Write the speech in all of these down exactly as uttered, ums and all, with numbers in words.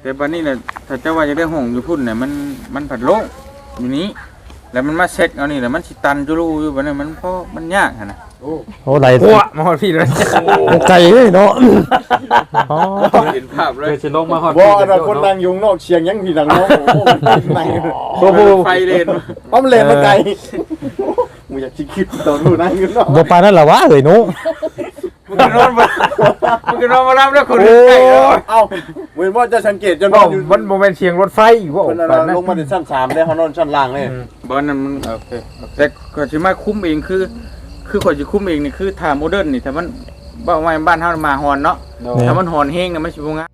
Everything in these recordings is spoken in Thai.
แต่บัดนี้น่ะถ้าเจ้าว่าจะได้ห้องอยู่พุ่นน่ะมันมันผัดโล่งอยู่นี้แล้วมันมาเช็คเอานี่แหละมันสิตันจุลูอยู่บัดนี้มันเพราะมันยากหั่นน่ะโอ้โอ้ไหลโอ้มาฮอดพี่เลยไกลเลยเนาะอ๋อเห็นภาพเลยสิลงมาฮอดบ่อันคนนั่งอยู่นอกเชียงยังพี่ดังเนาะโอ้นั่งโอ้โหไฟเลนปั๊มเลนมาไกลมึงอยากสิคิดตอนนู้นนั่งอยู่เนาะบ่ปานนั้นล่ะวะเอ้ยหนูมึงนอนมามึงนอนมารับแล้วคนใกล้แล้วเอ้าเว้นว่าจะสังเกตจนว่ามันบ่แม่นเสียงรถไฟบ่ปานนั้นลงมาถึงชั้นสามได้เฮานอนชั้นล่างเลยบ่นั้นมันโอเคแต่ก็สิมาคุมเองคือคือข่อยสิคุมเองนี่คือถ้าโมเดิร์นนี่ถ้ามันบ้านไว้บ้านเฮามาฮอนเนาะถ้ามันฮอนแฮงน่ะมันสิบ่งาม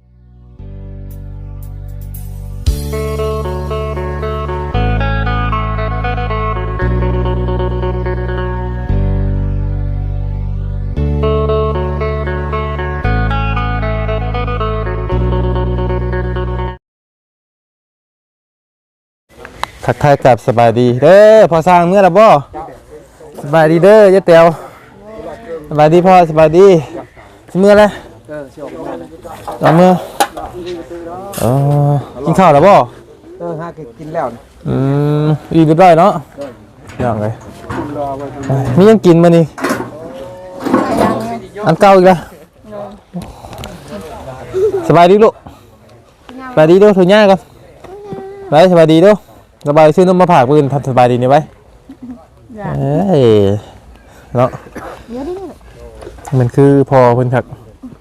ทักทายกับสบายดีเด้อพอสร้างเมื่อแล้วบ่สบายดีเด้อยะเตียวสบายดีพ่อสบายดีเมื่อแล้วเออสิออกมาแล้วเมื่อเออกินข้าวแล้วบ่เออหากินแล้วอืมอีเรียบร้อยเนาะอย่างไรมียังกินมานี่อันเก่าอีกแล้วสบายดีลูกสบายดีดูถุงย่าก่อนไปสบายดีดูสบายซื้อนมมาผ่าปืนทำสบายดีนี่ไว้เอ้ยเนาะมันคือพอเพิ่นคัก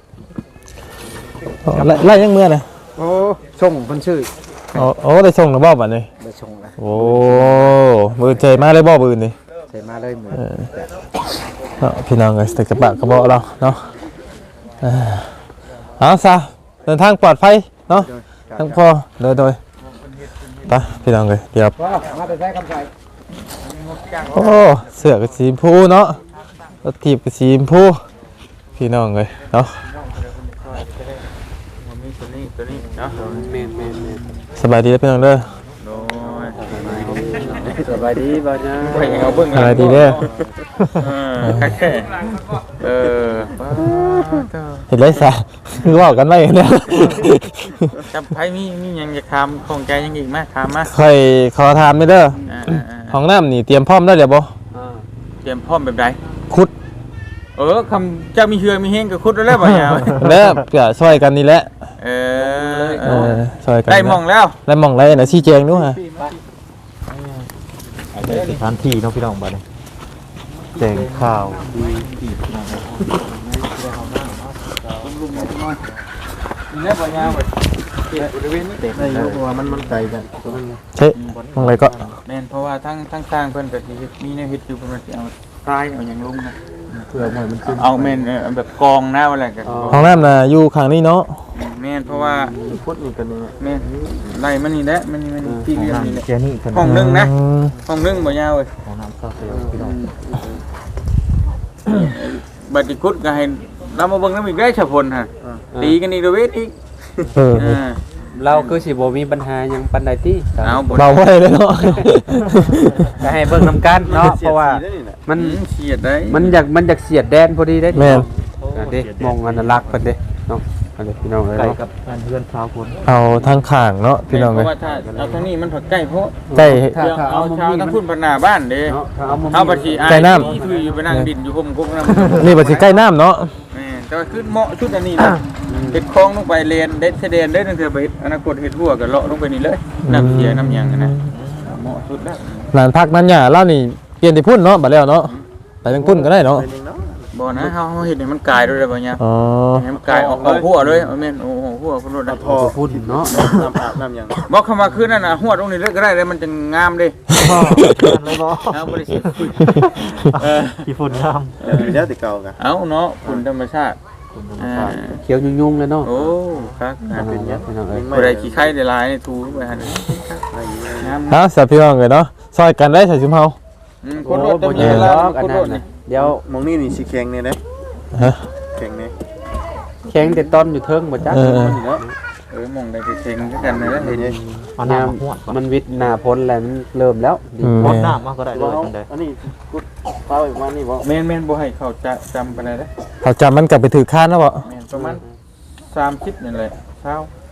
ไล่ยังเมื่อนะโอ้ส่งเพิ่นชื่อโอ้โอ้ได้ส่งหรือบ่บัดนี้ได้ส่งแล้วโอ้มือใจมาเลยบ่ปืนนี่ใจมาเลยมือเนาะพี่น้องเอ้ยใส่กระบะกระเบาะเราเนาะเอาซะเดินทางปลอดภัยเนาะทั้งพอโดยโดยไปพี่น้องเลยเดี๋ยวมาแต่ใช้คำใส่โอ้เสือกับสีชมพูเนาะรถถีบกับสีชมพูพี่น้องเลยเนาะสบายดีแล้วพี่น้องเด้อสบายดีบ่จ้าไปเอาเบิ่งสบายดีเด้อเออเห็นไรซะคือว่ากันไว้เนี่ยจำไพ่มีมียังจะถามของใจยังอีกไหมถามมาใครขอถามไม่เด้อห้องน้ำนี่เตรียมพร้อมได้เดี๋ยวบ่เตรียมพร้อมแบบใดขุดเออคำเจ้ามีเชือมีเฮงกับขุดแล้วบ่ยาวแล้วก็ช่วยกันนี่แหละเออเออช่วยกันได้มองแล้วได้มองแล้วนะชี้แจงด้วยฮะสถานที่น้องพี่น้องบ้านนี้แจงข้าวนี่บ่ยาวไปบริเวณนี้เต็มเลยว่ามันมันไกลกันเฮ้ยมองอะไรก็แม่นเพราะว่าทั้งทั้งสร้างเพิ่นก็สิมีแนวเฮ็ดอยู่เพิ่นสิเอาทรายเอาหยังลงนะเพื่อให้มันขึ้นเอาแม่นแบบกองหน้าอะไรกันห้องน้ำน่ะอยู่ข้างนี้เนาะแม่นเพราะว่าพุทธนี่กันนี่แม่นไล่มันนี่แหละมันนี่มันที่เรียนนี่แหละแค่นี้ห้องนึงนะห้องนึงบ่ยาวเว้ยห้องน้ำซาเซลพี่น้องบัดนี้กุดก็ให้เรามาเบิ่งน้ำอีกได้ฉะพลฮะตีกันอีกเด้อเวทอีกเออเราคือสิบ่มีปัญหาหยังปานใดติเอาบ่เบาไว้เลยเนาะก็ให้เบิ่งนำกันเนาะเพราะว่ามันเสียดได้มันอยากมันอยากเสียดแดนพอดีได้แม่นเด้มองอนุรักษ์เพิ่นเด้เนาะอันนี้พี่น้องเอ้ยเนาะกับเพื่อนชาวคนเอาทางข้างเนาะพี่น้องเอ้ยเพราะว่าถ้าเอาทางนี้มันใกล้เพราะใกล้เอาชาวทางพุ่นพนาบ้านเด้เอาบัดสิใกล้น้ำที่อยู่ไปนั่งดินอยู่ห่มกุ๊กน้ำนี่บัดสิใกล้น้ำเนาะแม่แต่ว่าขึ้นเหมาะชุดอันนี้นะเฮ็ดคลองลงไปเลนเด็ดเสด็จได้ตั้งแต่ไปอนาคตเฮ็ดหัวก็เลาะลงไปนี่เลยน้ำเสียน้ำหยังนะเหมาะสุดแล้วหลานพักนั้นหญ้าเล่านี่เปลี่ยนที่พุ่นเนาะบัดแล้วเนาะไปทางพุ่นก็ได้เนาะบ่นะเฮาเฮาเฮ็ดให้มันกลายด้วยได้บ่เนี่ยอ๋อให้มันกลายออกออกหัวเลยแม่นโอ้โหหัวพุ่นรถพอพุ่นเนาะน้ำอาบน้ำหยังบ่เข้ามาคืนนั่นน่ะหัวตรงนี้เลยก็ได้เลยมันจะงามดิเลยบ่เอาบ่ได้สิเออขี้ฝุ่นงามเออแล้วแต่เก่ากันเอ้าเนาะฝุ่นธรรมชาติเขียวยุ่งๆเลยเนาะโอ้ครับเป็นยังบ่ได้ขี้ไข่ได้หลายนี่ทูไปหั่นฮะสับพี่น้องเอ้ยเนาะซอยกันได้ใส่ชุมเฮาอืมคนรถบ่เยอะแล้วคนรถนี่เดี๋ยวมองนี่นี่สิแข็งนี่เด้ฮะแข็งนี่แข็งแต่ต้นอยู่เทิงบ่จักเออเออมองได้แข็งคือกันนั่นแหละเห็นเอาน้ำมันวิทย์หน้าพ้นแล้วมันเริ่มแล้วพ้นน้ำมาก็ได้เลยจังได๋อันนี้กุดพาไปมานี่บ่แม่นๆบ่ให้เขาจะจำปานใดเด้อเขาจำมันกลับไปถือค้านแล้วบ่แม่นประมาณสามสิบนี่แหละเช้า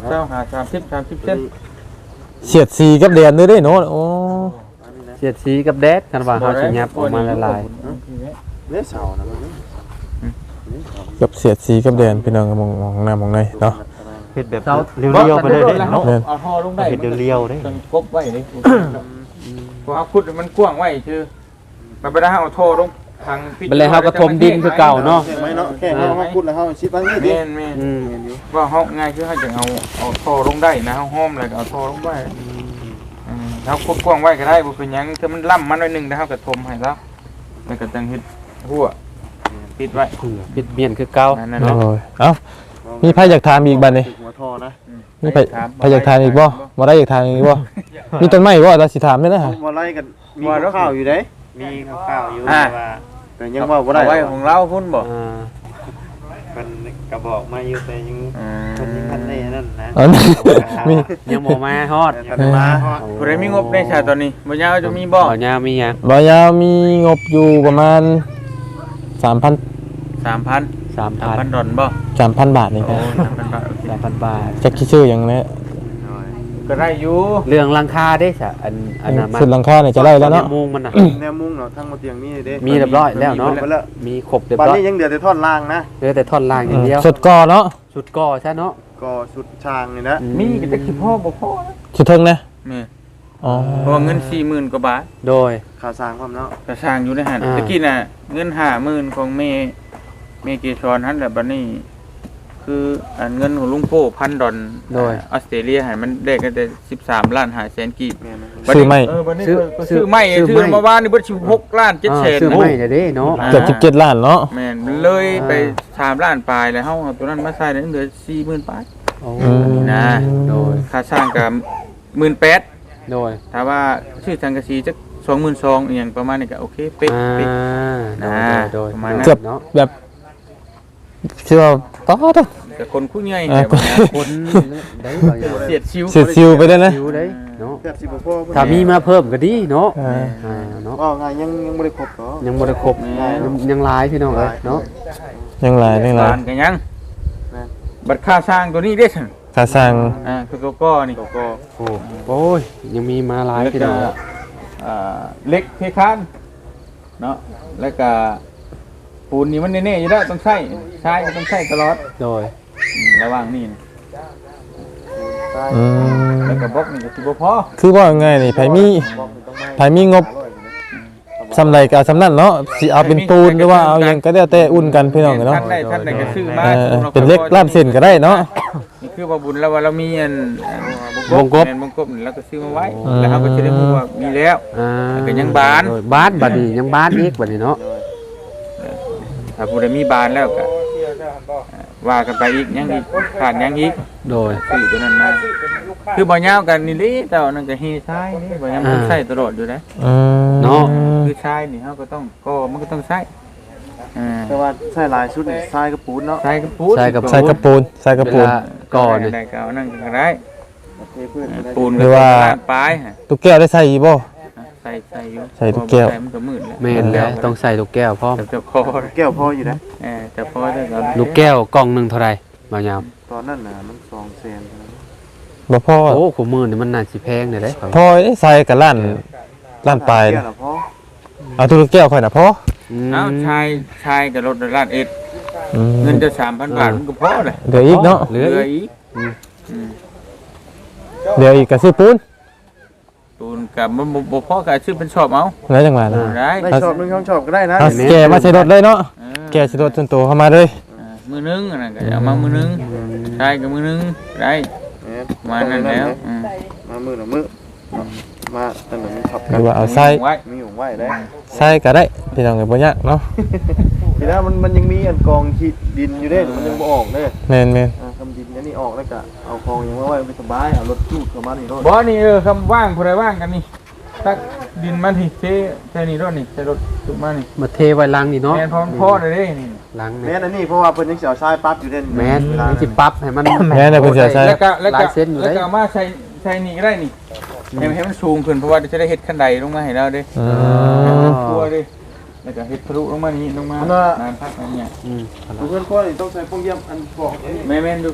เจ้าหาสามสิบสามสิบเซนเสียดสีกับแดนด้วยเด้เนาะโอ้เสียดสีกับแดดกันว่าเฮาสิยับออกมาละลายเนื้อเสานะมันกับเสียดสีกับแดนพี่น้องมองมองหน้ามองในเนาะเฮ็ดแบบเรียวๆไปเลยเด้เนาะเอาท่อลงได้เฮ็ดเรียวๆเด้จนกบไว้นี่พอเอาขุดมันกว้างไว้คือมันไปได้เอาท่อลงทางบัดแล้วเฮาก็ถมดินคือเก่าเนาะแค่ไหมเนาะแค่เขาเขาพูดแล้วเขาชิดบ้างนี่ดิแม่นแม่นอืมว่าห้องง่ายคือเขาจะเอาเอาท่อลงได้นะห้องอะไรก็เอาท่อลงไว้อืมเขาขุดกว้างไว้ก็ได้บ่เป็นหยังถ้ามันล่ำมันหน่อยนึงแล้วเขาก็ถมให้แล้วแล้วก็จังเฮ็ดหัวปิดไว้ปิดเมียนคือเก่านั่นโอ้เนาะยเอ้ามีไผอยากถามอีกบัดนี้หัวทอนะมีไผไผอยากถามอีกบ่บ่ได้อยากถามอีกบ่มีต้นไม้บ่ตาสิถามได้นะฮะมาไล่กันมีข้าวอยู่เด้มีข้าวๆอยู่อ่าว่าแต่ยังว่าบ่ได้เอาไว้ของเราพุ่นบ่อ่าเพิ่นก็บอกมาอยู่แต่ยังอืเพิ่นยังทันได้นั่นนะอ๋อมียังบ่มาฮอดทันมาผู้ใดมีงบในชาตอนนี้บ่ยาวจะมีบ่บ่ยาวมีหยังบ่ยาวมีงบอยู่ประมาณสามพันสามพันสามสามพัพันนดอลบ่สามพันบาทนี่คโอ้รับสามพันบาทโอเคสามพันบาทจักคิดชื่อหยังนะก็ได้อยู่เรื่องราคาเด้ซะอันอันนั้นมันสุดหลังคาเนี่ยจะได้แล้วเนาะมุงมันน่ะแนวมุ้งเนาะทั้งมาเตียงนี่เด้มีเรียบร้อยแล้วเนาะไปแล้วมีครบเรียบวันร้อยนี้ยังเหลือแต่ท่อนล่างนะเหลือแต่ท่อนล่างอย่างเดียวสุดก่อเนาะชุดก่อใช่เนาะก็ชุดช่างนี่นะมีก็จะคิดพ่อบ่พอนะสุดเทิงนะแม่อ๋อเพราะว่าเงินสี่หมื่นกว่าบาทโดยขาสร้างความเนาะกระสร้างอยู่ในหันอ่าตะกี้น่ะเงินห้าหมื่นของเมเมเกชอนหันแหละบัดนี้ คืออันเงินของลุงโป้พันดอลออสเตรเลียให้มันได้กันแต่สิบสามล้านห้าแสนกีบแม่นะซื้อไม่เออบัดนี้ก็ซื้อไม่ซื้อมาว่านนี่เบิดสิบหกล้านเจ็ดแสนซื้อไม่ได้เด้เนาะเกือบสิบเจ็ดล้านเนาะแม่นเลยไปสามล้านปลายแล้วเฮาเอาตัวนั้นมาใส่ได้เหลือสี่หมื่นปลายโอ้อืมนะโดยค่าสร้างก็หมื่นแปดโดยถ้าว่าชื่อสังกะสีจักสองหมื่นสองอหย่างประมาณนี้ก็โอเคเป๊ะอ่าเป๊ะโดยโดยประมาณนั้นเกือบเนาะแบบเชื่อต่อต่อแต่คนคู่ใหญ่อ่าแต่ว่าคนได้บางอย่างเสียดชิวเสียดซิวไปเลยนะชิวได้เนาะแทบสิบ่พอถ้ามีมาเพิ่มก็ดีเนาะอ่าอ่าเนาะก็งานยังยังบ่ได้ครบเนาะยังบ่ได้ครบยังยังหลายพี่น้องเอ้ยเนาะยังหลายยังหลายบ้านกันยังบัตรค่าสร้างตัวนี้ได้สั่นค่าสร้างอ่าคือโกโก้นี่โกโก้โอ้โอ้ยยังมีมาหลายแล้วพี่ก็น้องอ่าเล็กเทคานเนาะแล้วก็ปูนนี่มันแน่ๆอยู่แล้วต้องใช้ใช้ก็ต้องใช้ตลอดโดยอืมระหว่างนี่นะอืมแล้วก็บล็อกนี่ก็สิบ่พอคือว่าไงนี่ไผมีไผมีงบสำไรก็เอาสำนั่นเนาะสิเอาเป็นปูนหรือว่าเอาหยังก็ได้แต่อุ่นกันพี่น้องเนาะท่านได้ท่านได้ก็ซื้อมาเออเป็นเล็กลาบเส้นก็ได้เนาะนี่คือว่าบุญแล้วว่าเรามีอันวงกบแม่นวงกบนี่เราก็ซื้อมาไว้ แล้วเราก็จะได้รู้ว่ามีแล้วอ่าก็ยังบานโดยบ้านบัดนี้ยังบ้านอีกบัดนี้เนาะถ้าผู้ใดมีบานแล้วก็ว่ากันไปอีกยังอีกขาดยังอีกโดยซื้อตัวนั้นมาคือบ่ยาวกันนี่ลิแต่ว่านั่นก็เฮชายนี่บ่ยาวมันใช้ตลอดอยู่นะอืมเนาะคือชายนี่เฮาก็ต้องก็มันก็ต้องใช้อ่าแต่ว่าใช้หลายชุดนี่ทรายกับปูนเนาะใช้กับปูนใส่กระปูนใส่กระเวปูนลาก่อนนี่ได้ก็เอานั่นก็ได้เทพื้นก็ได้ปูนหรือว่าปลายฮะตุ๊กแก้วได้ใส่อีกบ่ใส่ใส่อยู่ใส่ทุกแก้วใส่มันก็มืดแล้วแม่นแล้วต้องใส่ลูกแก้วพร้อมแต่จะพอแก้วพออยู่นะเออแต่พอได้ก็ลูกแก้วกล่องหนึงเท่าไหร่บ่ยามตอนนั้นน่ะมันสองแสนบ่พอโอ้คู่มือนี่มันน่าสิแพงเลยเด้พอได้ใส่กับล้านล้านปลายแก้นะวละพอเอาตุ๊กแก้วค่อยน่ะพอมเอ้าชายชายกับรถร้านเอ็ดอืมเงินจะสามพันบาทมันก็พอเลยเดี๋ยวอีกเนาะเหลืออีกอีกอืมอืมเดี๋ยวอีกก็ซื้อปูนตูนกับมันบ่บ่พอกับชื่อเป็นชอบเอาแล้วจังหวะนะได้ได้ชอบนึงช่องชอบก็ได้นะเอาแกมาใส่รถเลยเนาะเออแกใส่รถส่วนตัวเข้ามาเลยเออมือนึงอันนั้นก็เอามามือนึงชายกับมือนึงได้มานั่นแล้วอืมมามือหน่ะมือมาตั้งแต่มีขับหรือว่าเอาใส่ไว้มีของไหวได้ใส่ก็ได้พี่น้องก็บ่ยากเนาะทีนั้นมันมันยังมีอันกองขีดดินอยู่เด้มันยังบ่ออกเด้แม่นแม่นอ่าทำดินอันนี้ออกแล้วก็เอากองยังไว้ไปสบายเอารถจูดเข้ามานี่รถบ่นี่เออคำว่างผู้ใดว่างกันนี่ตักดินมาที่เทใส่นี่รถนี่ใส่รถจุกมานี่มาเทไว้ลังนี่เนาะแม่นพอพอได้เด้นี่ลังแม่นี่นอันนี้เพราะว่าเพิ่นยังสิเอาทรายปั๊บอยู่เด้แม่นเวลามันสิปรับให้มันแม่นน่ะเพิ่นสิใส่แล้วก็แล้วหก็ลายเส้นอยู่แล้วเด้ก็เอามาใส่ใส่นี่ก็ได้นี่ให้มันให้มันสูงขึ้นเพราะว่าจะได้เฮ็ดขั้นใดลงมาให้เราเด้อืให้มมันทั่วเด้แล้วก็เฮ็ดทะลุลงมานี่ลงมานานพักอันเนี้ยอืมเพื่อนพ่อนี่ต้องใช้พวกเยี่ยมอันบอกอันนี้แม่แม่นดูพี่พ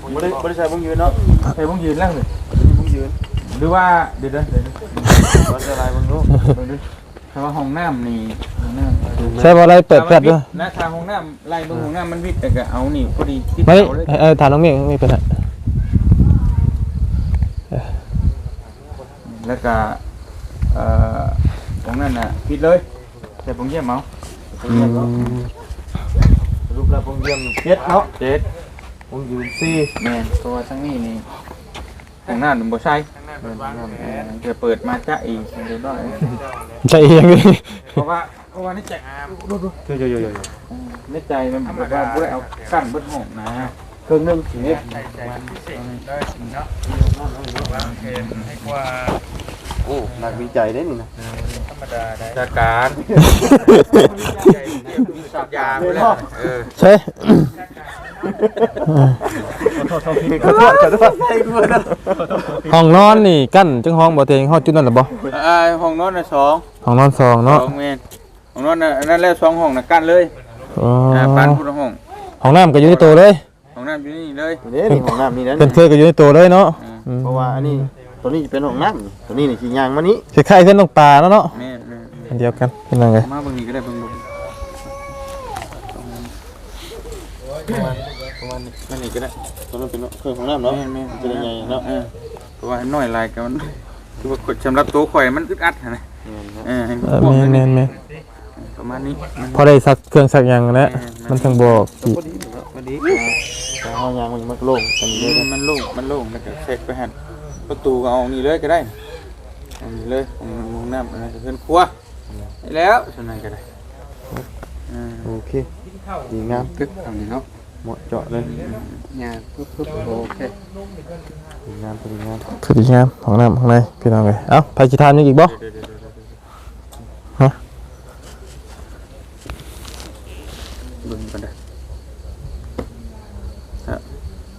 บ่ได้บ่ได้ใช้วงยืนเนาะใส่วงยืนแล้วเลยวงยืนหรือว่าเดี๋ยวเดี๋ยวเดี๋ยวบ่ได้ลายเบิ่งดูแต่ว่าห้องน้ำนี่ห้องน้ำใช่บ่อะไรเปิดแฟลชด้วยนะทางห้องน้ำไล่เบิ่งห้องน้ำมันวิดแต่ก็เอานี่พอดีที่ไม่เสาเลยเออถามน้องเมฆไม่เป็นไรแล้วก็เอ่อตรงนั้นน่ะปิดเลยแต่ผมเยี่ยมเอาอืมรูปแล้ววงเยี่ยมเจ็ดเนาะเจ็ดวงยืนสี่แม่นตัวทั้งนี้นี่ห้องน้ำมันบ่ใช่เออจะเปิดมาจะอีกเดี๋ยวได้ใจเองเลยเพราะว่าเพราะว่านี่ใจเยอะๆๆในใจมันแบบว่าบ่ได้เอากั้นเบิดห้องนะๆเครื่องนึงสิเนี่ย โอ้นักวิจัยได้นี่นะจากการยาไปเลยเออใช่ขอโทษขอโทษขอโทษให้ด้วยนะห้องนอนนี่กั้นจังห้องบ่เตงห้องจุดนั่นหรอบ่อ่าห้องนอนน่ะสองห้องนอนสองเนาะสองเมตรห้องนอนน่ะอันนั้นแล้วสองห้องน่ะกั้นเลยอ๋ออ่าปานพุทธห้องห้องน้ำก็อยู่ในตัวเลยห้องน้ำอยู่นี่เลยเด้นี่ของน้ำนี่นั่นเป็นเคยก็อยู่ในตัวเลยเนาะอืมเพราะว่าอันนี้ตัวนี้เป็นของน้ำตัวนี้นี่สิยางมานี้คล้ายๆเส้นตรงปลาแล้วเนาะแม่แม่อันเดียวกันเป็นยังไงมาเบิ่งนี่ก็ได้เบิ่งดูประมาณประมาณนี้มันนี่ก็ได้ตัวนั้นเป็นเครื่องของน้ำเนาะแม่แม่จะได้ใหญ่เนาะเออเพราะว่าน้อยลายกันมันคือว่ากดสำหรับตัวข่อยมันอึดอัดนะเออให้มันเออพวกแม่นนั้นแม่นแม่นประมาณนี้มันพอได้สักเครื่องสักอย่างแล้วมันทั้งบอกสิพอดีพอดีแต่เอายางมันมันโล่งกันอืเยอะมมันโล่งมันโล่งแล้วก็เช็คไปหันประตูก็เอานี่เลยก็ได้เอานี่เลยห้องน้ำอันนั้นจะเป็นครัวได้แล้วส่วนนั้นก็ได้อ่าโอเคดีงามตึกทางนี้เนาะเหมาะเจาะเลยงานปึ๊บปึ๊บโอเคดีงามดีงามคือดีงามห้องน้ำข้างในพี่น้องเลยเอ้าไปกี่ทานยังอีกบ่เดี๋ยวเดี๋ยวเดี๋ยวเดี๋ยวฮะเบิ่งกันได้ฮะ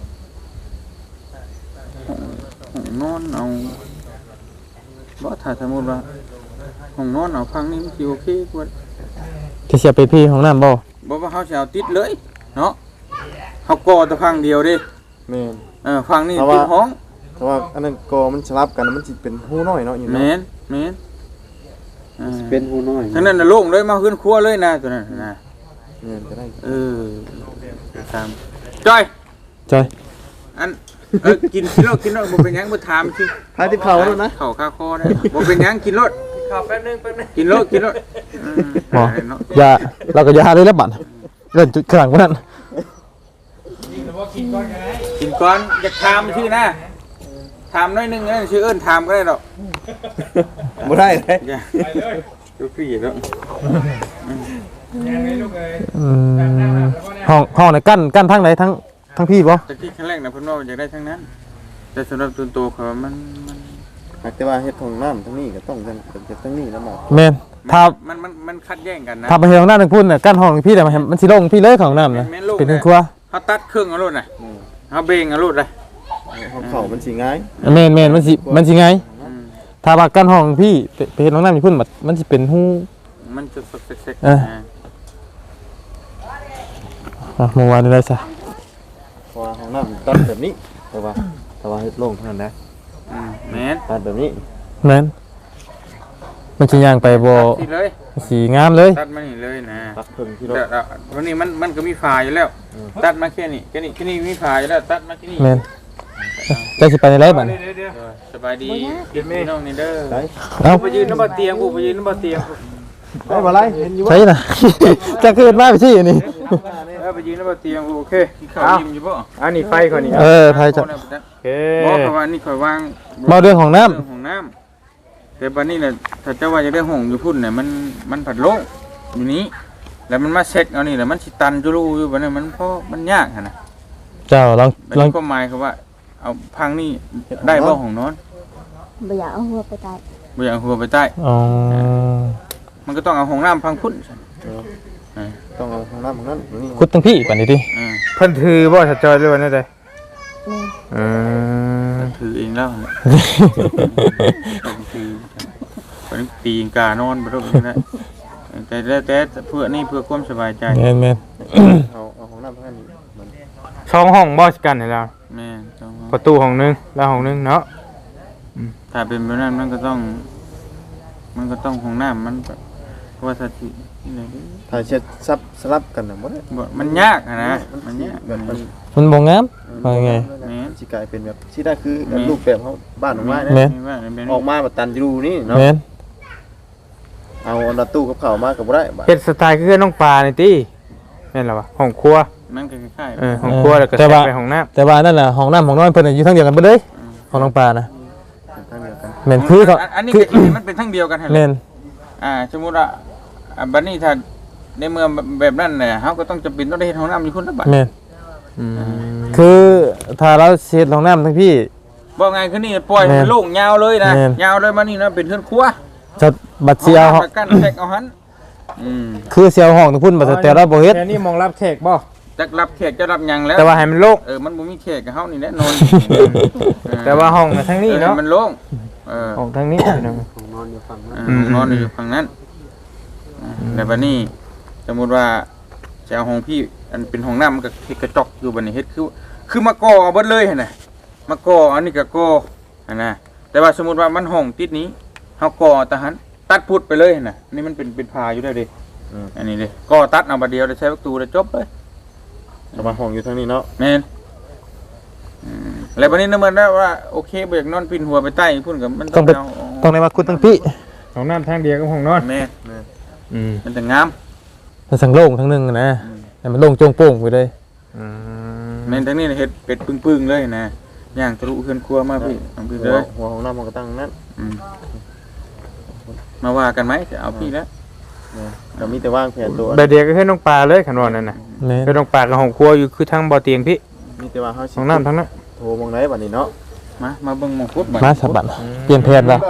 ห้องนอนเอาบ่ถ้าสมมุติว่าห้องนอนเอาพังนี่มันสิโอเคกว่าที่เสียไปพี่ห้องน้ำบ่บ่ว่าเขาสิเอาติดเลยเนาะเขาก่อแต่พังเดียวเด้แม่นเออพังนี่ติดห้องเพราะว่าอันนั้นกอมันสลับกันมันสิเป็นหูน้อยเนาะอยู่แมเนาะนแมนอ่าเป็นหูน้อยทั้งนั้นน่ะโล่งเลยมาขึ้นครัวเลยนะตัวนั้นนะแม่นก็ได้เออตามจ้อยจอยอันเออกินกินรถกินรถบ่เป็นหยังบ่ถามชื่อพาที่เขาแล้วนะเข้าคาคอนะบ่เป็นหยังกินรถข้าวแป๊บนึงแป๊บนึงกินรถกินรถอืมบ่ได้เนาะยาเราก็ยาเลยแล้วบัดเล่นจุดข้างหลังพวกนั้นกินก่อนอยากถามชื่อนะถามหน้อยหนึงนะชื่อเอิ้นถามก็ได้ดอกบ่ได้เลยอย่าดูพี่เนาะอืมห้องห้องในกั้นกั้นทั้งไหนทั้งทั้งพี่บ่แต่ที่ครั้งแรกนะเพิ่นว่าอยากได้ทั้งนั้น แต่สำหรับตัวโตเขามันมันหากแต่ว่าเฮ็ดของน้ำทั้งนี้ก็ต้องจังจะทั้งนี้แล้วมาแม่นถ้ามันมันมันคัดแย่งกันนะถ้าไปเฮ็ดห้องน้ำนึงพุ่นน่ะกั้นห้องพี่แต่มันมันสิลงพี่เลยของน้ำนะแม่นโลกเป็นครัวเขาตัดเครื่องเอารถน่ะเขาเบงเอารถเลยเขาเข้ามันสิง่ายแม่นแม่นมันสิมันสิไงอืมถ้าว่ากั้นห้องพี่ไปไปเฮ็ดห้องน้ำนี่พุ่นมันมันสิเป็นหูมันจะสกเซ็กเออ อ่ะเมื่อวานนี้ได้ซะเพราะว่าของน้ำตัดแบบนี้แต่ว่าแต่ว่าเฮ็ดโล่งเท่านั้นนะอืมแม่นตัดแบบนี้แม่นมันสิย่างไปบ่ตัดที่เลยสีงามเลยตัดมานี่เลยนะตัดเพิ่งที่รถแต่แต่วันนี้มันมันก็มีฝาอยู่แล้ว ตัดมาแค่นี้แค่นี้แค่นี้มีฝาอยู่แล้วตัดมาแค่นี้แม่นจะสิไปในไรบัดนี้สบายดีกินพี่น้องนี่เด้อได้เอ้าไปยืนน้ำบ่เตียงกูไปยืนน้ำบ่เตียงกูได้บ่ไรเห็นอยู่ใช่น่ะ จะเกิดมาไปที่อันนี้เออไปยืนน้ำบ่เตียงกูโอเคกินข้าวยิ้มอยู่บ่อันนี้ไฟก่อนนี่เออไทยจะโอเคบอกเพราะว่านี่ข่อยวางมาเรื่องของน้ำเรื่องของน้ำแต่บัดนี้น่ะถ้าเจ้าว่าจะได้ห้องอยู่พุ่นเนี่ยมันมันผัดโล่งอยู่นี้ แล้วมันมาเช็คเอานี่แหละมันสิตันจุลูอยู่บัดนี้มันเพราะมันยากหั่นน่ะเจ้าลองบัดลองนี้ก็หมายคือว่า เอาพังนี่ได้บ่ห้องนอนบ่อยากเอาหัวไปตายบ่อยากเอาหัวไปใต้อ๋อมันก็ต้องเอาห้องน้ำพังพุ่นเออต้องเอาของน้ำของนั้นนี่คุดทั้งพี่ปันนี้ดิเออเพิ่นถือบ่ชัดจอยด้วยนั่นเด้แม่เออถือเองแล้วเนี่ยต้องถือเป็นปีงกานอนบ่ต้องนะแต่แล้วแต่เพื่อนี่เพื่อความสบายใจแม่นแม่นเอาเอาของน้ำของนั้นมันช่องห้องบ่กันนี่ล่ะแม่ประตูห้องนึงแล้วห้องนึงเนาะอืมถ้าเป็นแบบนั้นมันก็ต้อง มันก็ต้องห้องน้ำมันก็ว่าสถินี่เลยถ้าเช็ดซับสลับกันน่ะบ่ได้บ่มันยากอะนะมันยากแบบมันมันบ่งามว่าไงแม่นสิกลายเป็นแบบที่ได้คือแบบรูปแบบเขาบ้านของไม้แม่นะนนี่ว่าเป็นออกมาแบบตันอยู่นี่เนาะแม่นเอาอันละตู้กับข้าวมาก็บ่ได้บัดเฮ็ดสไตล์คือน้องปลานี่ติแม่นล่ะวะห้องครัวมันก็คล้ายๆเออห้องครัวแล้วก็แทรกไปห้องน้ำแต่ว่านั่นน่ะห้องน้ำห้องนอนเพิ่นน่ะอยู่ทางเดียวกันเบิดเลยห้องน้องปลานะทางเดียวกันแม่นคือเขาอันนี้คือก็มันเป็นทั้งเดียวกันหั่นแหแม่ละนอ่าสมมุติว่าอ่าบัดนี้ถ้าในเมืองแบบนั้นน่ะเฮาก็ต้องจำเป็นต้องได้เฮ็ดห้องน้ำอยู่คนละบัดแม่นคือถ้าเราเฮ็ดห้องน้ำทั้งพี่บ่ไงคือนี่ปล่อยให้แม่มันนโล่งยาวเลยนะแม่นยาวเลยมานี่นะเป็นเฮือนครัวจะบัดสิเอาน้ำแล้วกันแทรกเอาหันอืมคือสิเอาห้องทั้งพุ่นบัดแต่เราบ่เฮ็ดแค่นี้มองรับแขกบ่จักรับแขกจะรับหยังแล้วแต่ว่าให้มันโล่งเออมันบ่มีแขกกับเฮานี่แหละนอนแต่ว่าห้องน่ะทางนี้เนาะออมันโล่งเออห้องทางนี้พี่น้องเออนอนอยู่ฝั่งนั้นอ่าแต่บัดนี้สมมุติว่าจะเอาห้องพี่อันเป็นห้องน้ำมันก็เฮ็ดกระจกอยู่บัดนี้เฮ็ดคือคือมาก่อเอาเบิดเลยหั่นน่ะมาก่ออันนี้ก็ก่อหั่นน่ะแต่ว่าสมมุติว่ามันห้องติดนี้เฮาก่อตะหันตัดพุดไปเลยหั่นน่ะนี่มันเป็นเป็นพาอยู่ได้วเด้อันนี้เด้ก่อตัดเอาบัดเดียวได้ใช้ประตูได้จบเลยเอามาห้องอยู่ทางนี้เนาะแม่นอืมแล้วบัดนี้นะมันได้ว่าโอเคบ่อยากนอนปินหัวไปใต้พุ่นก็มันต้องไปเอาต้องได้มาคุดทั้งพี่ห้องน้ำทางเดียวกับห้องนอนแม่นอืมมันจะงามมันสังโล่งทั้งนึงอะนะให้มันโล่งโจ่งโป่งไปเลยอืมแม่นทั้งนี้เฮ็ดเป็ดปึ้งๆเลยนะย่างทะลุเฮือนครัวมาพี่เอาพี่หัเลวย หัวของน้ำมันก็ตั้งนั้นอืมมาว่ากันไหมจะเอาพี่แล้วก็มีแต่ว่างแผนตัวแบบเดียวก็ให้น้องปลาเลยขันว่านั่นน่ะแม่นให้น้องปลากับห้องครัวอยู่คือทางบ่อเตียงพี่มีแต่ว่าเฮาสิห้องน้ำทั้งนั้นโทรมองไหนบัดนี้เนาะมามาเบิ่งหมองพุดบัดมาสะบัดเปลี่ยนแผนละ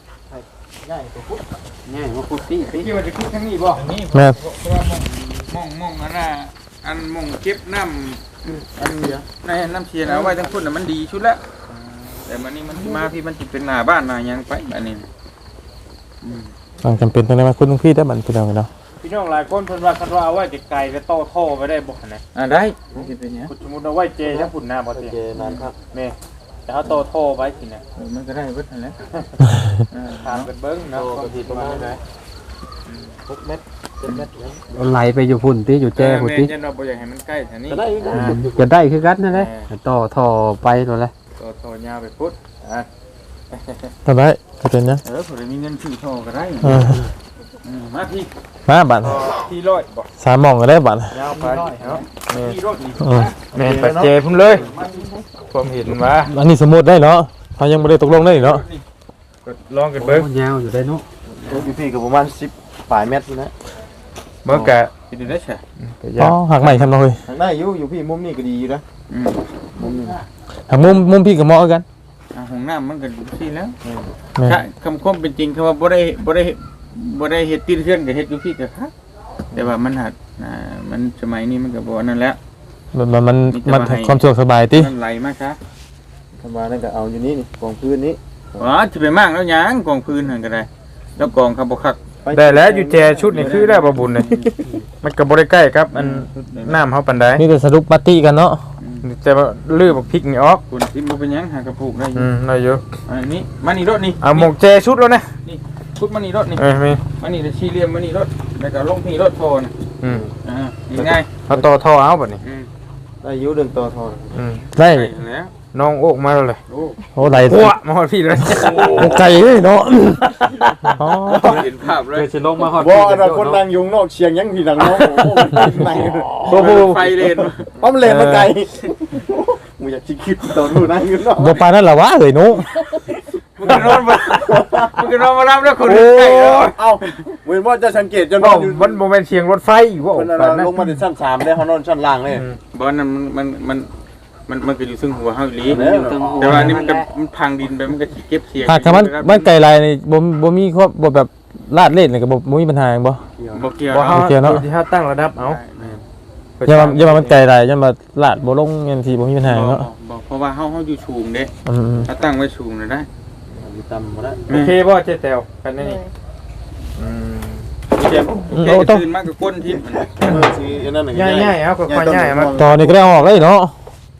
ง่ายมาพุดพี่พี่ว่าจะคุดทั้งนี้บ่นี่แม่นมองมองอันน่ะอันมองเก็บน้ำอันในน้ำเชียนเอาไว้ทั้งพุ่นน่ะมันดีชุดแล้วแต่มันนี่มันมาพี่มันสิเป็นหน้าบ้านหน้าหยังไปบัดนี้อืมต้องจำเป็นต้องได้มาคุดทั้งพี่ได้บัดพี่น้องเนาะพี่น้องหลายคนเพิ่นว่าคันว่าเอาไว้ไกลๆแล้วต่อท่อไว้ได้บ่หั่นน่ะอ่าได้มันสิเป็นหยังสมมุติเอาไว้เจทั้งพุ่นหน้าบ่เตียงเจนานครับแม่แต่เฮาต่อท่อไว้สิน่ะเออมันก็ได้เบิดนั่นแหละเออถามกันเบิ่งเนาะความคิดประมาณไหนหกเมตรเจ็ดเมตรแล้วไหลไปอยู่พุ่นติอยู่แจ้พุ่นติแม่นเราบ่อยากให้มันใกล้แถวนี้ก็ได้ก็ได้จะได้คือกันนั่นแหละต่อท่อไปนั่นแหละต่อต่อยาวไปพุดอ่ะทำได้ก็เป็นยังเออผมมีเงินซื้อท่อก็ได้เอออืมมาพี่มาบัดต่อที่ร้อยบ่สามหมองก็ได้บัดยาวไปเนาะที่รถนี่เออแม่นปัจเจพุ่นเลยความเห็นว่าอันนี้สมมุติได้เนาะเขายังบ่ได้ตกลงได้เนาะก็ลองกันเบิ่งยาวอยู่ได้เนาะตัวอยู่พี่ก็ประมาณสิบปลายเมตรนะเบิ่งกะคิดดูได้ใช่ก็อ๋ยาอวหักใหม่ทำเนาะเฮ้ยทางได้อยู่อยู่พี่มุมนี้ก็ดีอยู่นะอืมมุมนี้หักมุมมุมพี่กับเหมาะกันอ่ะห้องน้ำมันก็ที่แล้วแม่นถ้าคำคมเป็นจริงคำว่าบ่ได้บ่ได้บ่ได้เฮ็ดติดเทือนกับเฮ็ดอยู่พี่ก็ครับแต่ว่ามันหัดอ่ามันสมัยนี้มันก็บ่นั่นแล้วมันมันมันมีแต่มันว่าให้ความสะดวกสบายติมันไหลมาซะทำมานั่นก็เอาอยู่นี่นี่กองพื้นนี้อ๋อสิไปมากแล้วหยังกองพื้นนั่นก็ได้ แล้วกองเขาบ่คักได้แล้วอยู่แจชุดนี่คือได้บ่บุญเลยมันก็บ่ได้ใกล้ครับอันน้ำเฮาปานใดมีแต่สรุปปาร์ตี้กันเนาะแต่ว่าลื้อบักพริกนี่ออกคุณสิบ่เป็นหยังหากระปุกได้อยู่อืมได้อยู่อันนี้มานี่รถนี่เอาหมกแจชุดแล้วนะนี่พุดมานี่รถนี่เอ้ยมีมานี่สี่เหลี่ยมมานี่รถแล้วก็ลงพี่รถโทนอืมอ่านี่ง่ายเอาต่อท่อเอาบัดนี้อืมได้อยู่เดินต่อทอนอืมได้ได้แล้วน้องโอกมาแล้วเลยโอ้โอ้ไหลหัวมาฮอดพี่เลยโอ้ไก่เลยเนาะอ๋อเห็นภาพเลยสิลงมาฮอดบ่อันนั้นคนนั่งยุงนอกเชียงยังพี่ดังน้องโอ้โหนั่งโอ้โหไฟเลนเพราะมันเลนมาไกลมึงอยากคิดตอนรู้นั่งอยู่นอกบ่ปานนั้นล่ะวะเอ้ยหนูมึงก็นอนมามึงก็นอนมารับแล้วคนอื่นใกล้แล้วเอ้าเว้นว่าจะสังเกตจนบ่อยู่มันบ่แม่นเสียงรถไฟว่าคนปานนั้นลงมาถึงชั้นสามได้เขานอนชั้นล่างเลยบอลนั้นมันมันมันมันก็อยู่ซึ่งหัวเฮาอีหลีแล้วแต่ว่านี่มันก็มันพังดินไปมันก็สิเก็บเสียงหากถ้ามันมันไก่ลายนี่บ่บ่มีครอบบ่แบบลาดเล่นนี่ก็บ่บ่มีปัญหาหยังบ่บ่เกี่ยวบ่เฮาเฮาเกี่ยวเนาะที่เฮาตั้งระดับเอาอย่ามาอย่ามามันไก่ลายอย่ามาลาดบ่ลงยันทีบ่มีปัญหาหยังเนาะบอกเพราะว่าเฮาเฮาอยู่สูงเด้อืมถ้าตั้งไว้สูงน่ะได้ต่ำบ่ได้โอเคบ่เจ๊แตวกันนี่อืมเจ็บแค่ตื่นมากก็ก้นทิ่มเออสิอันนั้นน่ะง่ายๆเอาค่อยๆง่ายมาๆตอนนี้ก็ได้เอาออกเลยเนาะ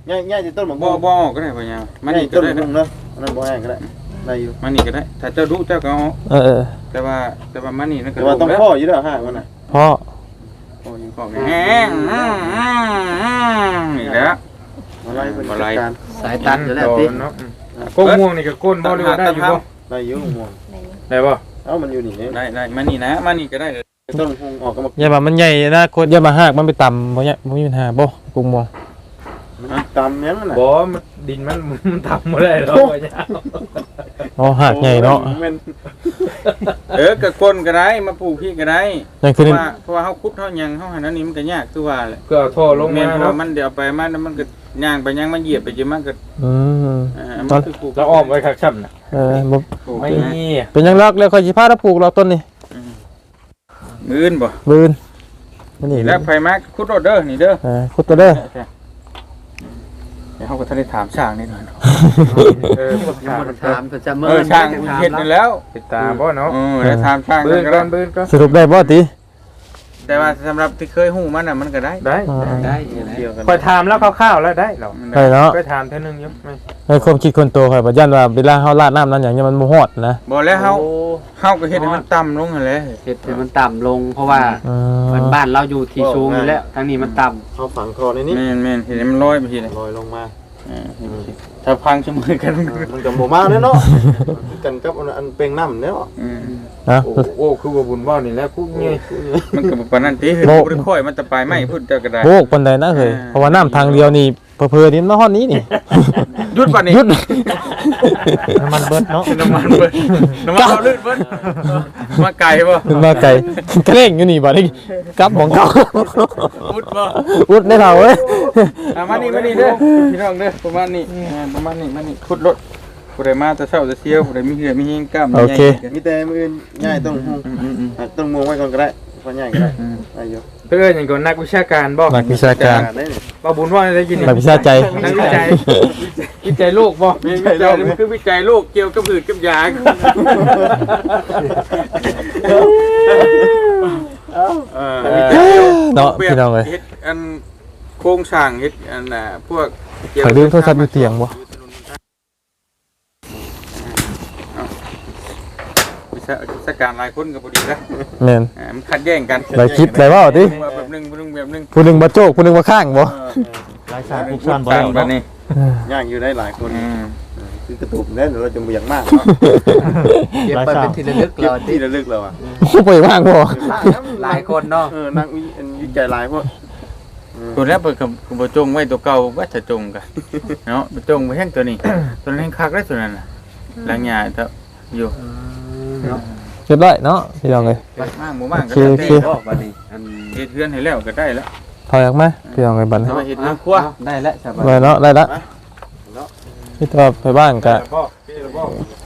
ง่ายง่ายจะต้นหมากบ่บ่ออกก็ได้พ่อยาวมันนี่ก็ต้นได้หมากเนาะอันนั้นบ่แห้งก็ได้ได้อยู่มันนี่ก็ได้ถ้าเจ้ารู้เจ้าก็เอาเออเออแต่ว่าแต่ว่ามันนี่นั่นก็แต่ว่าต้องพ่ออยู่แล้วห่างมันน่ะพ่อโอ้ยังของแห้งนี่แหละมาไล่เป็นจัดการสายตัดอยู่แล้วติเนาะก้นม่วงนี่ก็ก้นบ่หรือว่าได้อยู่บ่ได้อยู่ห่วงได้บ่เอ้ามันอยู่นี่เนี่ยได้ได้มันนี่นะมันนี่ก็ได้ต้นห่วงออกก็มาอย่ามามันใหญ่นะโคตรอย่ามาหากมันไปต่ำบ่เนี่ยบ่มีปัญหาบ่ปรุงบ่ตามยังน่ะบ่มันดินมันมันทำบ่ได้หรอกพ่อยาวอ๋อหากใหญ่เนาะเออก็ก้นก็ได้มาปลูกพี่ก็ได้นั่นเพคือราะว่าเพราะว่าเฮาคุดเฮายังเฮาหันอันนี้มันก็ยากคือว่าแหละก็เอาท่อลงแม่มานเพราะเนาะว่ามันเดี๋ยวไปมันมันก็ย่างไปย่างมันเหยียบไปจนมันก็อืมอ่ามันคือปลูกแล้วอ้อมไว้คักช่ำน่ะเออบ่ปลูกไม่นะมีเป็นหยังรักแล้วค่อยสิพาเราปลูกเราต้นนี่มื้อนบ่บืนมันนี่แล้วไผมาคุดรถเด้อนี่เด้อเออขุดตัวเด้อเดี๋ยวเฮาก็ทันได้ถามช่างนิดหน่อยเนาะเออพวกยังช่างบ่ได้ถามเพิ่นจะเมินเออช่างเฮ็ดนั่นแล้วติดตาบ่เนาะเออแล้วถามช่างเบิ่กันงก็ก่ได้อนเบิ่งก่อนสรุปได้บ่ติแต่ว่าสำหรับที่เคยฮู้มันน่ะมันก็ได้ได้ได้อยู่แล้วเกี่ยวกันค่อยถามแล้วคร่าวๆแล้วได้เหรอมันได้ได้เนาะค่อยถามเท่านึงอยู่ไม่ในความคิดคนโตข่อยบ่ยันว่าเวลาเฮาราดน้ำนั้นหยังเนี่ยมันบ่ฮอดนะบ่แล้วเฮาเฮาก็เฮ็ดให้มันต่ำลงหั่นแหละเฮ็ดให้มันต่ำลงเพราะว่าอืมันมบ้านเราอยู่ที่สูงอยู่แล้วทางนี้มันต่ำเอาฝังคอในนี้แม่นแม่นเฮ็ดให้มันลอยไปทีเลยลอยลงมาเออถ้าพังเสมอกันมันก็บ่มาเด้เนาะกันกับอันเป่งน้ำเนาะอืมนะโอ้โอ้คือว่าบุญว่านี่แหล้วกูเงี้ยมันก็บ่ปานนั้นติเฮ้ยบ่ได้ค่อยมันจะไปไม่พูดเจ้าก็ได้โบกปานใดนะเฮ้ยเพราะว่าน้ำทางเดียวนี่เผลอๆนี่มาฮอดนี้นี่หยุดป่ะนี่หยุดน้ำมันเบิดเนาะน้ำมันเบิดน้ำมันเราลื่นเบิดมาไกลบ่ขึ้นมาไกลกระเร่งอยู่นี่บ่ได้กลับของเก่าพุดบ่อุดได้เราเว้ยอ่ะมานี่มานี่เด้อพี่น้องเด้อประมาณนี้อ่าประมาณนี้มานี่ขุดรถผู้ใดมาแต่เช้าจะเที่ยวผู้ใดมีเหือมีเฮงกล้ามโอเคมีแต่มืออื่นง่ายต้องห่วงอืมต้นม่วงไว้ก่อนก็ได้พอง่ายก็ได้ได้อยู่เพื่อนอย่างก่อนนักวิชาการบ่นักวิชาการได้นี่บ่บุญว่าได้ยินนักวิชาใจนักวิจัยวิจัยโลกบ่ๆมีวิจัยมันคือวิจัยโรคเกี่ยวกับหืดกับยา เออเนาะพี่น้องเอ้ยเฮ็ดอันโครงสร้างเฮ็ดอันน่ะพวกเกี่ยวข่อยลืมโทรศัพท์อยู่เตียงบ่วิชาวิชาการหลายคนก็บ่ดีนะแม่นอ่ามันขัดแย้งกันได้คิดได้เว้าติแบบหนึงแบบหนึงแบบหนึงผู้หนึงบ่โจกผู้หนึงบ่ข้างบ่หลายชาติทุทุกกชาชาติติบ่แล้วแบบนี้ย่างอยู่ได้หลายคนอืมคือกระตุกแน่นเราจะบ่อยากมากเนาะเก็บไปเป็นที่ระลึกเก็บเราที่ระลึกเราอ่ะโอ้บ่ว่างบ่หลายคนเนาะเออนักวิจัยหลายพวกตัวแรกเปิดกับบ่จงไว้ตัวเก่าว่าจะจงกันเนาะบ่จงไว้แห้งตัวนี้ ตัวนั้นแห้งคักได้ตัวนั้นน่ะหลังหญ้าเถอะอยู่เรียบร้อยเนาะพี่น้องเอ้ยมากบ่มากก็โอได้เคบ่บัดนี้อันเฮ็ดเฮือนให้แล้วก็ได้แล้วถอยออกมาพี่น้องเอ้ยบัดนี้แต่ว่าเฮ็ดเฮือนครัวได้แล้วสบายไว้เนาะได้ละพี่ตัวไปบ้านก็พ่อพี่พ่อ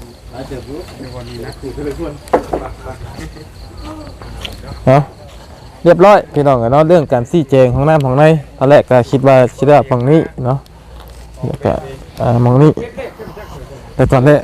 เนาะเรียบร้อยพี่น้องเนาะเรื่องการซี่แจงของน้ำของในตอนแรกก็คิดว่าสิได้ฝั่งนี้เนาะแล้วก็อ่ามองนี้แต่ตอนแรก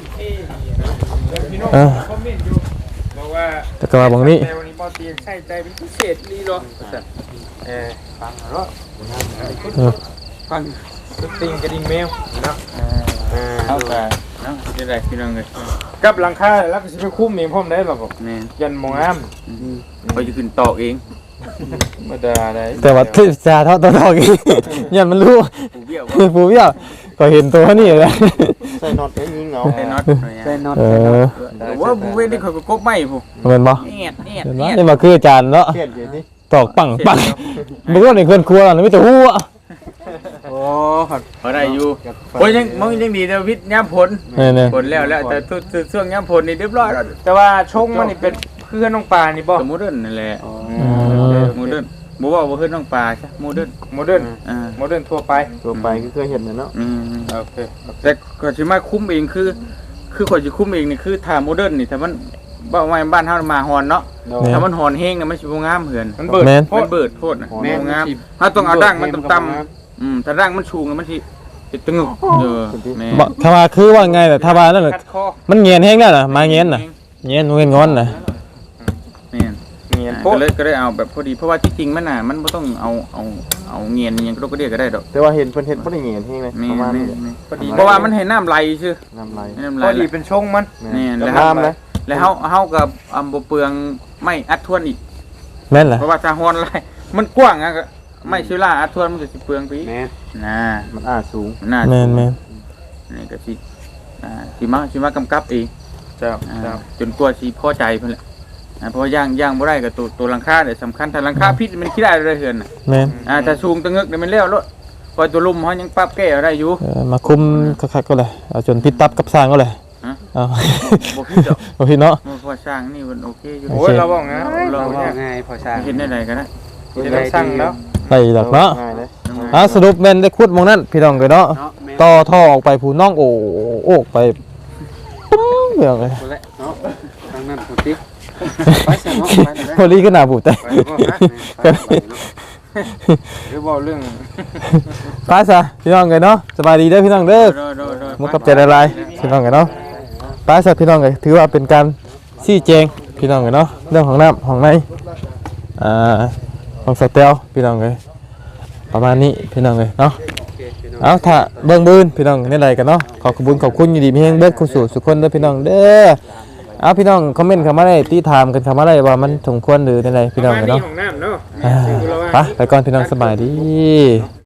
เออคอมเมนต์อยู่บอกว่าแต่ก็ว่าบางนี้แต่วันนี้บ่เตียงใส่ใจเป็นพิเศษนี่เหรอเออฟังเหรอเออฟังสติงกระดิ่งแมวเนาะเอาก็เนาะสิได้พี่น้องเอ้ยกับหลังคาแล้วก็สิไปคุ้มเองพร้อมได้หรอบ่แม่นยันหมองน้เขาจะขึ้นตอกเองำบ่ได้ได้แต่ว่าที่จะเท่าตัวทองอีกยันมันรู้ผู้เบี้ยวคือผู้เบี้ยวก็เห็นตัวนี่เลยใส่น็อตเองยิงเหงาใส่น็อตใส่น็อตเอใส่น็ออตแต่ว่าผู้เว้นนี่เขาก็กบไม้ผู้เหมือนบ่แอดแอดเห็นแอบ่ดนี่มาคืออาจารย์เนาะเครียดอยู่นี่ตอกปังปังบ่ว่าในเพื่อนครัวน่ะมีแต่หัวโอ้พอได้อยู่โอ้ยยังมันยังดีแต่วิทย์ย่ำผลนี่ผลแล้วแล้วแต่ทุกช่วงย่ำผลนี่เรียบร้อยแล้วแต่ว่าชงมันนี่เป็นเพื่อนน้องปลานี่บ่โมเดิร์นนั่นแหละโมเดิร์นบ่ว่าบ่เฮ็ดน้องปลาใช่โมเดิร์นโมเดิร์นอ่าโมเดิร์นทั่วไปตัวไปก็เคยเห็นนะเนาะอืมโอเคแต่ก็สิมาคุ้มเองคือ คือข่อยสิคุ้มเองนี่คือถ้าโมเดิร์นนี่ถ้ามันบ้านไว้บ้านเฮามาฮอนเนาะถ้ามันฮอนแฮงน่ะมันสิบ่งามเหือนมันเบิดมันเบิดโพดน่ะบ่งามเฮาต้องเอาดั้งมันต่ำๆอืมถ้าดั้งมันสูงมันสิสิตึงเออแม่บ่ถ้าว่าคือว่าไงแต่ถ้าว่านั่นน่ะคัดคอมันเงียนแฮงแล้วน่ะมาเงียนน่ะเงียนเงียนงอนน่ะแม่นเงียนยนก็เลยก็ได้เอาแบบพอดีเพราะว่าที่จริงมันน่ะมันบ่ต้องเอาเอาเอาเงียนยังก็ก็เรียกก็ได้ดอกแต่ว่าเห็นเพิ่นเฮ็ดบ่ได้เงียนเฮงเลยแม่ประมาณแม่นี้แม่พอดีเพราะว่ามันให้น้ำไหลซื่อน้ำไหลให้น้ำไหลพอดีเป็นชงมันนี่แล้แล้ว วน้ำนะแล้วเฮาเฮากับอำบ่เปลืองไม่อัดทวนอีกแม่นเหรอเพราะว่าถ้าฮอนไหลมันกว้างอะก็ไม่ชิล่าอัดทวนมันก็สิเปลืองไปอีกแม่นะมันอ้าสูงน่าแม่นแม่นนี่ก็สิอ่าสิมาสิมากำกับเองเจ้าอ่าเจ้าจนกว่าสิพอใจเพิ่นแหละอ่าเพราะว่าย่างย่างบ่ได้ก็ตัวตัวหลังคาเนี่ยสำคัญถ้าหลังคาพิษมันคิดได้เลยเฮือนน่ะแม่นอ่าถ้าสูงตะงึกเนี่ยมันแล้วโลดพอตัวลุ่มเฮายังปรับแก้ได้อยู่เออมาคุมคักๆก็เลยเอาจนพิดตับกับสร้างก็เลยฮะเอาบ่ผิดดอกบ่ผิดเนาะมันพอสร้างนี่มันโอเคอยู่โอ้ยเราบอกนะเราเอาเนี่ยง่ายพอสร้างเห็นได้ไดก็ได้จะได้สั่งแล้วไปดอกเนาะง่ายเลยอ่ะสรุปแม่นได้ขุดหมองนั้นพี่น้องเอ้ยเนาะเนาะแม่นต่อท่อออกไปผู้น้องโอ้โอกไปปุ้งเรื่องเลยบ่แล้วเนาะทางนั้นพุติไปซะเนาะไปเลยพอลีก็น่าบูดแต่ไปบ่ฮะไปไปเนาะหรือบอกเรื่องไปซะพี่น้องเอ้ยเนาะสบายดีเด้อพี่น้องเด้อโดยโดยโดยมุกกับใจละลายพี่น้องเอ้ยเนาะไปซะพี่น้องเอ้ยถือว่าเป็นการชี้แจงพี่น้องเอ้ยเนาะเรื่องของน้ำของในอ่าของสเตลพี่น้องเอ้ยประมาณนี้พี่น้องเอ้ยเนาะ เอาถ้าเบิ่งบืนพี่น้องนี่ไรกันเนาะขอขอบคุณขอบคุณอยู่ดีมีแห้งเบิดคุณสู่สุขคนเด้อพี่น้องเด้อเอาพี่น้องคอมเมนต์เข้ามาได้ตีถามกันเข้ามาได้ว่ามันสมควรหรือในไรพี่น้องกันเนาะของน้ำเนาะอ่าไปไปก่อนพี่น้องสบายดี